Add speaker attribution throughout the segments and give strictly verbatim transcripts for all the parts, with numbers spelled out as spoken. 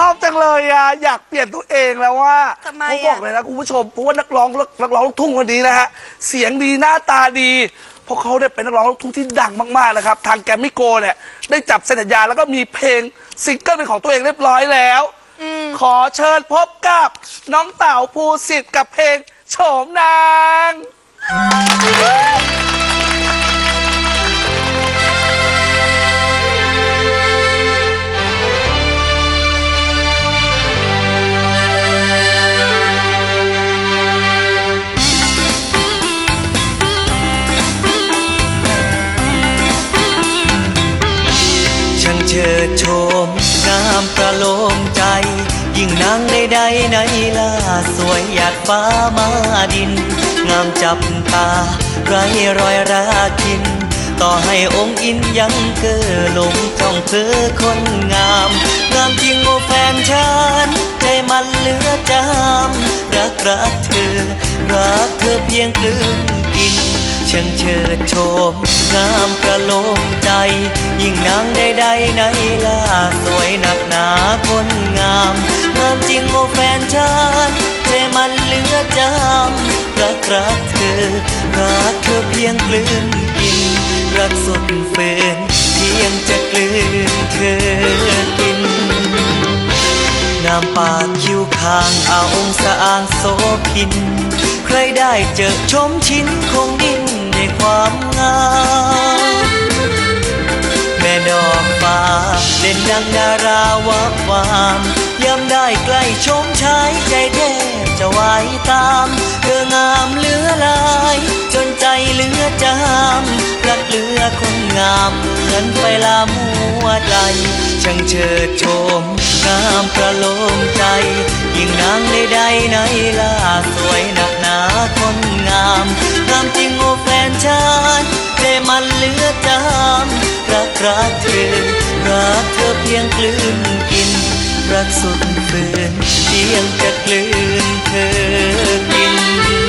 Speaker 1: อบจังเลยอ่ะอยากเปลี่ยนตัวเองแล้วว่า
Speaker 2: ทำไม
Speaker 1: ผมบอกเลยนะคุณผู้ชมเพราะว่านักร้องนักร้องลูกทุ่งคนนี้นะฮะเสียงดีหน้าตาดีเพราะเขาได้เป็นนักร้องลูกทุ่งที่ดังมากๆนะครับทางแกรมมี่โกลด์เนี่ยได้จับเซ็นสัญญาแล้วก็มีเพลงซิงเกิลเป็นของตัวเองเรียบร้อยแล้วขอเชิญพบกับน้องเต๋าภูสิทธิ์กับเพลงโฉมนาง
Speaker 3: เชิดโฉมงามประโลมใจยิ่งนางใดๆในล่าสวยหยาดฟ้ามาดินงามจับตาไร้รอยราคินต่อให้องค์อินยังเก้อหลงจ้องเธอคนงามงามจริงโอแฟนฉันใจมันเหลือจามรักรักเธอรักเธอเพียงครึ่งกินช่างเชิดโฉมงามประโลมใจยิ่งนางใดๆในล่าสวยหนักหนาคนงามงามจริงโอแฟนฉันใจมันเหลือจามรักรักเธอรักเธอเพียงกลืนกินรักสุดฝืนเพียงจะกลืนเธอกินงามปากคิ้วคางเอาองค์สะอางโสพินใครได้เจอชมชิ้นคงดิ้นในความงามแม่ดอกฟ้าเด่นดังดาราวับวามยามได้ใกล้ชมชายใจแทบจะไหวตามเธองามเหลือลายจนใจเหลือจามรักเหลือคนงามเหมือนไฟลามหัวใจช่างเชิดโฉมงามประโลมใจยิ่งนางใดๆในล่าสวยหนักหนาคนงามงามจริงโอแฟนฉันใจมันเหลือจามรักรักเธอรักเธอเพียงกลืนกินรักสุดฝืนเพียงจะกลืนเธอกิน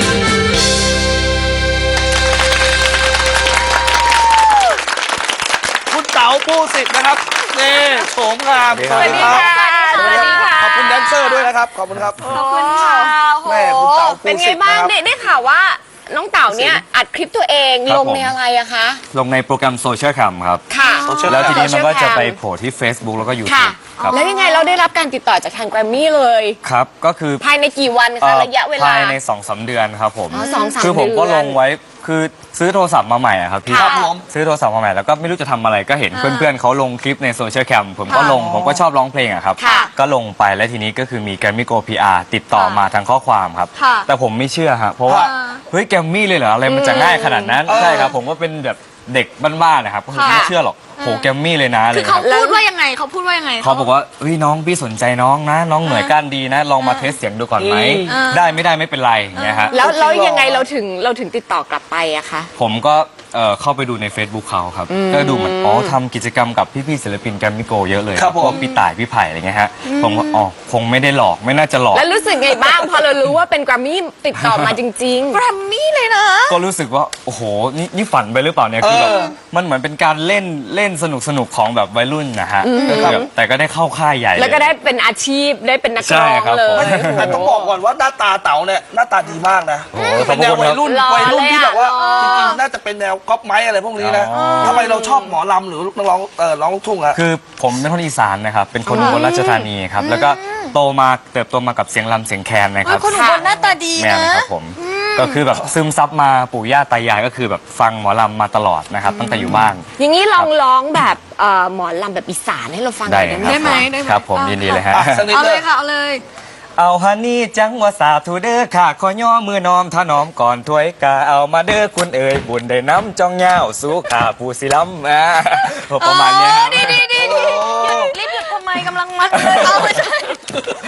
Speaker 1: คุณเต๋าภูสิทธิ์นะครับนี่โฉมงามสวัสดีครับสวัสดีค่ะขอบคุณแดนเซอร์ด้วยนะครับขอบคุณครับ
Speaker 2: ขอบคุณค่ะ
Speaker 1: แม่คุณเต๋าภูสิทธิ์
Speaker 4: เป็นไงบ้างได้ได้ข่าวว่าน้องเต๋าเนี่ยอัดคลิปตัวเองลงในอะไรอะคะ
Speaker 5: ลงในโปรแกรมโซเชียลแคมครับ
Speaker 4: ค่ะ
Speaker 5: แล้วทีนี้มันก็จะไปโผล่ที่ Facebook แล้วก็
Speaker 4: ค่ะ
Speaker 5: YouTube ครับ
Speaker 4: แล้วยังไงเราได้รับการติดต่อจากทางแกรมมี่เลย
Speaker 5: ครับก็คือ
Speaker 4: ภายในกี่วัน
Speaker 5: เอ่
Speaker 4: คะ
Speaker 5: อ
Speaker 4: ระยะเวลา
Speaker 5: ภายใน สองสาม เดือนครับผม
Speaker 4: อ๋อสองสาม
Speaker 5: คือผมก็
Speaker 4: เดือน
Speaker 5: ลงไว้คือซื้อโทรศัพท์มาใหม่อะครับพี่
Speaker 4: ครับผม
Speaker 5: ซื้อโทรศัพท์มาใหม่แล้วก็ไม่รู้จะทำอะไรก็เห็นเพื่อนๆเขาลงคลิปในโซเชียลแคมผมก็ลงผมก็ชอบร้องเพลงอะครับ
Speaker 4: ค่ะ
Speaker 5: ก็ลงไปแล้วทีนี้ก็คือมีแกรมมี่โก พี อาร์ ติดต่อมาทางข้อความครับ
Speaker 2: ค่ะ
Speaker 5: แต่ผมไม่เชื่อฮะเพราะว่าเฮ้ยแกรมมี่เลยเหรออะไรมันจะง่ายขนาดนั้นใช่ครับผมก็เป็นแบบเด็กบ้านๆนะครับก็คือไม่เชื่อหรอกโหแกรมมี่เลยนะอะไร
Speaker 2: คือ
Speaker 5: ค
Speaker 2: เขา
Speaker 5: รับ
Speaker 2: พูดว่ายังไงเขาพูดว่ายังไง
Speaker 5: เขาบอกว่าเฮ้ยน้องพี่สนใจน้องนะ น้องเหนื่อยก้านดีนะ ลองมาเทสเสียงดูก่อนไหม ได้ไม่ได้ไม่เป็นไรอย่างเงี้ยฮะ
Speaker 4: แล้วแล้วยังไงเราถึงเราถึงติดต่อกลับไปอะคะ
Speaker 5: ผมก็เอ่อเข้าไปดูใน Facebook เขาครับ ก็ดูเหมือนอ๋อทำกิจกรรมกับพี่ๆศิลปินแกรมมี่โกเยอะเลย
Speaker 1: ครับผม
Speaker 5: พวกพี่ต่ายพี่ไผ่อะไรเงี้ยฮะผมก็อ๋อคงไม่ได้หลอกไม่น่าจะหลอก
Speaker 4: แล้วรู้สึกไงบ้าง พอเรารู้ว่าเป็นแกรมมี่ติดต่อมาจริง
Speaker 2: แกรมมี่เลยนะ
Speaker 5: ก็รู้สึกว่าโอ้โหนี่นี่ฝันไปหรือเปล่าเนี่ยคือแบบ
Speaker 1: เออ
Speaker 5: มันเหมือนเป็นการเล่นเล่นสนุกสนุกของแบบวัยรุ่นนะฮะก็คือแบบแต่ก็ได้เข้าค่ายใหญ่
Speaker 4: ๆ แล้วก็ได้เป็นอาชีพได้เป็นนักร้อง
Speaker 5: ใช่ครับ
Speaker 4: เล
Speaker 5: ผม
Speaker 4: ย
Speaker 1: แต่ต้องบอกก่อนว่าหน้าตาเต๋าเนี่ยหน้าตาดีมากนะ
Speaker 5: โอ้โห
Speaker 1: เป็นแนววัยรุ่น
Speaker 4: หล่อ
Speaker 1: วัยรุ่นที่แบบว่า
Speaker 4: เลยอะ
Speaker 1: จริงๆน่าจะเป็นแนวก๊อปไม้อะไรพวกนี้นะ
Speaker 5: อ๋อ
Speaker 1: ทำไมเราชอบหมอลำหรือนักร้องเออร้องลูกทุ่งอะ
Speaker 5: คือผมเป็นคนอีสานนะครับ เป็นคนอุบลราชธานีครับ แล้วก็โตมาเติบโตมากับเสียงลำเสียงแคนนะค
Speaker 2: เฮ้
Speaker 5: รั
Speaker 2: ย
Speaker 5: บ
Speaker 2: คนอุบลหน้าตาดี
Speaker 5: แม่
Speaker 2: นะ
Speaker 5: นะครับผม ก็คือแบบซึมซับมาปู่ย่าตายายก็คือแบบฟังหมอลำมาตลอดนะครับ ตั้งแต่อยู่บ้าน
Speaker 4: อย่างนี้ลองร้องแบบเอ่อหมอลำแบบอีสานให้เราฟังหน่
Speaker 5: ได้
Speaker 4: อยได้ไหม
Speaker 5: ครับ
Speaker 2: ได้ไหมได้ไหม
Speaker 5: ครับผมยินดีเลยฮะ
Speaker 1: อ่ะสักนิด
Speaker 2: เอา
Speaker 1: เล
Speaker 2: เลย ยค่ะ เอาเลย
Speaker 5: เอาฮันนี่จังว่าสาธุเด้อค่ะ ขอย่อมือน้อมถนอมก่อนถ้วยกาเอามาเด้อคุณเอ๋ยบุญได้น้ำจองเงาสู้ขาผู้สิล้ำอ่าประมาณเนี้ยครับ
Speaker 2: ดีดีดีดีหยุดรีบหยุดทำไมกำลังมัดเลยเอาไม่ใช่
Speaker 1: โ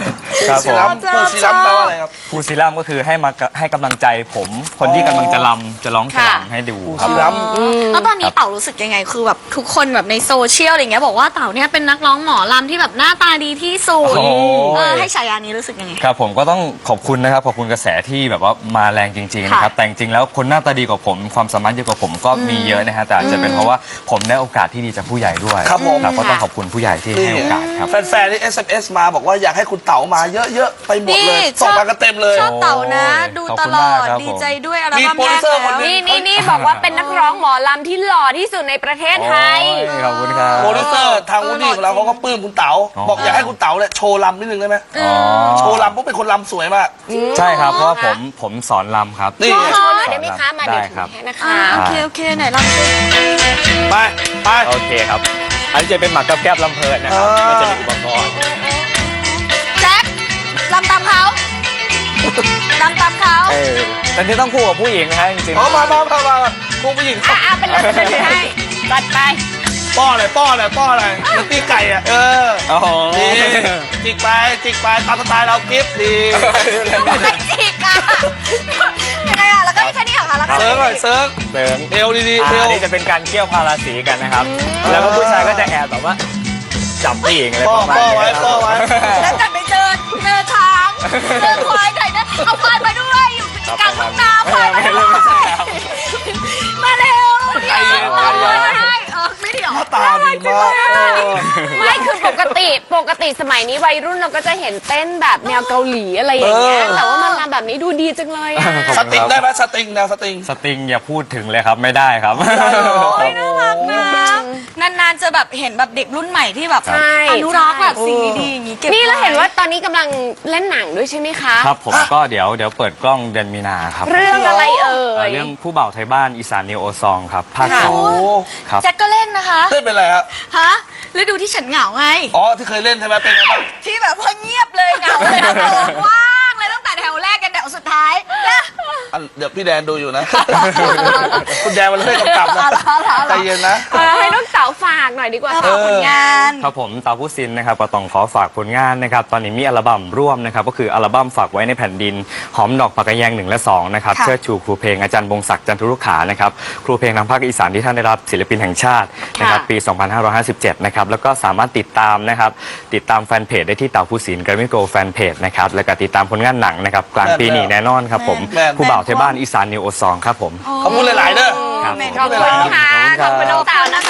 Speaker 5: ครับ
Speaker 1: ศิลัม
Speaker 2: ผม
Speaker 1: ปูศิลัมแปลว่าอะไรครับ
Speaker 5: ฟูซิลัมก็คือให้มาให้กำลังใจผม คนที่กำลังจะลำจะร้องจะ
Speaker 4: ค่ะ
Speaker 5: รำให้ดู
Speaker 1: ปู
Speaker 5: ครั
Speaker 1: ศิ
Speaker 5: บ
Speaker 1: ลัม
Speaker 2: แล้วตอนนี้เต่ารู้สึกยังไงคือแบบทุกคนแบบในโซเชียลอะไรเงี้ยบอกว่าเต่าเนี่ยเป็นนักร้องหมอลำที่แบบหน้าตาดีที่สุด
Speaker 5: โอ้ย
Speaker 2: เออให้ฉายานี้รู้สึกยังไง
Speaker 5: ครับผมก็ต้องขอบคุณนะครับขอบคุณกระแสที่แบบว่ามาแรงจริงๆนะครับ
Speaker 2: ค่ะ
Speaker 5: แต่จริงๆแล้วคนหน้าตาดีกว่าผมความสามารถเยอะกว่าผมก็มีเยอะนะฮะแต่อาจจะเป็นเพราะว่าผมได้โอกาสที่ดีจากผู้ใหญ่ด้วย
Speaker 1: ครับผม
Speaker 5: ก็ต้องขอบคุณผู้ใหญ่ที่ให้โอกาสครับ
Speaker 1: แฟนๆที่ เอส เอ็ม เอส มาบอกว่าอยากให้คุณเต๋ามาเยอะๆ ไปหมดเลย
Speaker 2: นี่
Speaker 1: ส่ง
Speaker 2: ชอบ
Speaker 1: มากันเต็มเลย
Speaker 2: ชอบเต่านะ
Speaker 5: โอ้ย
Speaker 2: ดู
Speaker 5: ขอบ
Speaker 2: ต
Speaker 5: คุณ
Speaker 2: ลอ
Speaker 5: มาก
Speaker 2: ด
Speaker 5: ครับ
Speaker 2: ดีใจด้วยอัล
Speaker 1: มี
Speaker 2: บั้ม
Speaker 1: โปร
Speaker 2: แร
Speaker 1: ดิว
Speaker 2: ก
Speaker 1: เซอร์คน
Speaker 2: แล้ว
Speaker 1: หนึ่
Speaker 4: นี่นี่นี่บอกว่าเป็นนักร้องหมอลำที่หล่อที่สุดในประเทศไทย
Speaker 5: โอ้ยขอบคุณครับ
Speaker 1: โปรดิวเซอร์ทางวูดดี้ของเราเขาก็ปลื้มคุณเต๋า
Speaker 5: อ๋อ
Speaker 1: บอกอยากให้คุณเต๋าเนี่ยโชว์ลำนิดนึงได้ไหม
Speaker 5: อ๋อ
Speaker 1: โชว์ลำเพราะเป็นคนลำสวยมาก
Speaker 5: ใช่ครับเพราะว่าผมผมสอนลำครับ
Speaker 1: นี่
Speaker 4: โชว์หน่อยได้ไหมคะ มาเดี๋ยว
Speaker 5: ได้ครับ
Speaker 4: แค่นะคะ
Speaker 2: อ่าโอเคโอเคไหนลองดู
Speaker 1: ไปไป
Speaker 5: โอเคครับ อันนี้จะเป็นหมากกับแก้บลำเพลินนะครับ
Speaker 1: อ่ามั
Speaker 5: มันจะมีอุปกรณ์
Speaker 2: แจ็คลำตามเขาลำตามเขา
Speaker 5: เออแต่นี่ต้องคู่กับผู้หญิงนะฮะจริงๆ
Speaker 1: เอามามามามามาคุณผู้หญิง
Speaker 4: อ่ะอ่ะเป็นเลยเป็นเลยให้จัดไป
Speaker 1: ป้ออะไรป้ออะไรป้ออะไรเหมือนตีไก่อ่ะเออ
Speaker 5: โอ้โห
Speaker 1: นี่จิกไปจิกไปตามสไตล์เรากิฟต์ดี
Speaker 2: ไม่จิกอะยังไงอะแล้วก็แค่นี้เหรอคะแล้วก็
Speaker 1: เซิร์ฟหน่อยเซิร์ฟ
Speaker 5: เสริม
Speaker 1: เอวดีๆ
Speaker 5: อ่า
Speaker 1: เอว
Speaker 5: อันนี้จะเป็นการเกี่ยวพาราสีกันนะครับ แล้วก็ผู้ชายก็จะแอบแบบว่า จับผู้หญิงอะไร
Speaker 1: ป้อ
Speaker 5: ประมาณ
Speaker 1: ป้อ
Speaker 5: นี้
Speaker 1: ไว้ป้อไว้
Speaker 2: แล้วจะไปเจอเจอช้างเจอควายหน่อยนะเอาควายมาด้วยอยู่กลางทุ่งนาควายมาด้วยมาเร็วเดี๋ยวเอาควายมาให้เออไม่เดี๋ยว
Speaker 1: หน้าตาดีมากเออ
Speaker 4: ไม่คือปกติปกติสมัยนี้วัยรุ่นเราก็จะเห็นเต้นแบบแนวเกาหลีอะไรอย่างเงี้ย
Speaker 1: เออ
Speaker 4: แต่ว่ามันมาแบบนี้ดูดีจังเลยอะ
Speaker 1: สติงได้ไหมสติงแนวสติง
Speaker 5: สติงอย่าพูดถึงเลยครับไม่ได้ครับ
Speaker 2: โอ้ยน่ารักนะนานๆจะแบบเห็นแบบเด็กรุ่นใหม่ที่แบบ
Speaker 4: ใช่
Speaker 2: อนุรักษ์แบบสิ่งดีๆอย่างนี้เก็บ
Speaker 4: นี่เราเห็น
Speaker 2: ไ
Speaker 4: ว่าตอนนี้กำลังเล่นหนังด้วยใช่ไหมคะ
Speaker 5: ครับผมก็เดี๋ยวเดี๋ยวเปิดกล้องเดือนมีนาครับ
Speaker 4: เรื่องอะไรเอ่
Speaker 5: เอ่อย เรื่องผู้บ่าวไทยบ้านอีสานนิวโอซองครับภาค
Speaker 4: ค่ะ
Speaker 5: สอง
Speaker 1: โอ้
Speaker 5: ครับ
Speaker 2: แจ็คก็เล่นนะคะ
Speaker 1: เล่นเป็นอะไรครับ
Speaker 2: ฮะฤดูที่ฉันเหงาไง
Speaker 1: อ๋อที่เคยเล่นใช่ไหมเป็นไงบ้าง
Speaker 2: ที่แบบว่าเงียบเลยเหงาเลยนะว่างเลยตั้งแต่แถวแรกกันแถวสุดท้ายนะ
Speaker 1: อันเดี๋ยวพี่แดนดูอยู่นะ คุณแดนมันเล่นกำกับนะใจเย็นนะ
Speaker 4: เออให้น้องเต๋าฝากหน่อยดีกว่า
Speaker 2: ฝากผลงาน
Speaker 5: ครับผมตาผู้ซินนะครับก็ต้องขอฝากผลงานนะครับตอนนี้มีอัลบั้มร่วมนะครับก็คืออัลบั้มฝากไว้ในแผ่นดินหอมดอกผักกระแยงหนึ่งและสองนะครับ
Speaker 2: ค่ะ
Speaker 5: เชิดชูครูเพลงอาจารย์บงศักดิ์จันทรุขานะครับครูเพลงทางภาคอีสานที่ท่านได้รับศิลปินแห่งชาตินะครับ
Speaker 4: ค่ะ
Speaker 5: ปี สองพันห้าร้อยห้าสิบเจ็ด นะครับแล้วก็สามารถติดตามนะครับติดตามแฟนเพจได้ที่เต่าผู้สินแกรมมี่โกแฟนเพจนะครับแล้วก็ติดตามผลงานหนังนะครับกลางปีนี้แน่นอนครับผม
Speaker 1: แม่น
Speaker 5: ผู้บ่าวไทยบ้านอีสานนิวโอซองครับผม
Speaker 1: ขอบคุณหลาย ๆ เด้อ
Speaker 5: ครับ
Speaker 2: แม่
Speaker 4: ขอบคุณค่ะ ขอบคุณน้องเต๋านะคะ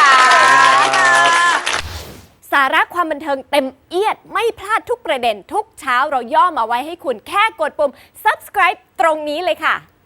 Speaker 6: สาระความบันเทิงเต็มเอียดไม่พลาดทุกประเด็นทุกเช้าเราย่อมาไว้ให้คุณแค่กดปุ่ม subscribe ตรงนี้เลยค่ะ